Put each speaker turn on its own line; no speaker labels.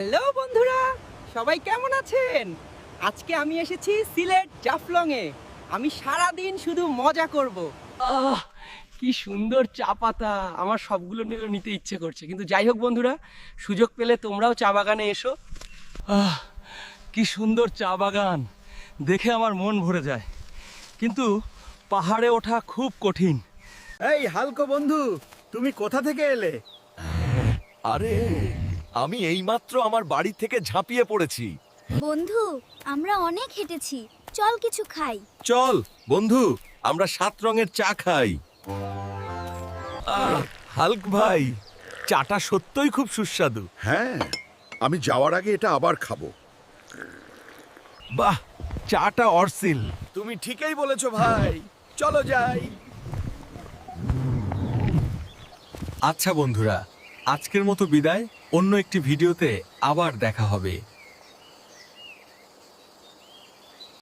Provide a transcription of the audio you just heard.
Hello বন্ধুরা, সবাই কেমন আছেন? আজকে আমি এসেছি সিলেট জাফলংয়ে। আমি সারা দিন শুধু মজা করব। কি সুন্দর চা পাতা! আমার সবগুলো নিতে ইচ্ছে করছে, কিন্তু যাই হোক বন্ধুরা, সুযোগ পেলে তোমরাও চা বাগানে এসো।
কি সুন্দর চা বাগান, দেখে আমার মন ভরে যায়, কিন্তু পাহাড়ে ওঠা খুব কঠিন।
এই হালকো বন্ধু, তুমি কোথা থেকে এলে?
আরে আমি এইমাত্র আমার বাড়ি থেকে ঝাঁপিয়ে পড়েছি।
বন্ধু, আমরা অনেক হেঁটেছি, চল কিছু খাই।
চল বন্ধু, আমরা 7 রঙের চা খাই। হাল্ক ভাই, চাটা সত্যই খুব সুস্বাদু।
হ্যাঁ, আমি যাওয়ার আগে এটা আবার খাবো।
বাহ, চাটা অরসিল। তুমি ঠিকই বলেছো ভাই, চলো যাই।
আচ্ছা বন্ধুরা, আজকের মতো বিদায়। অন্য একটি ভিডিওতে আবার দেখা হবে।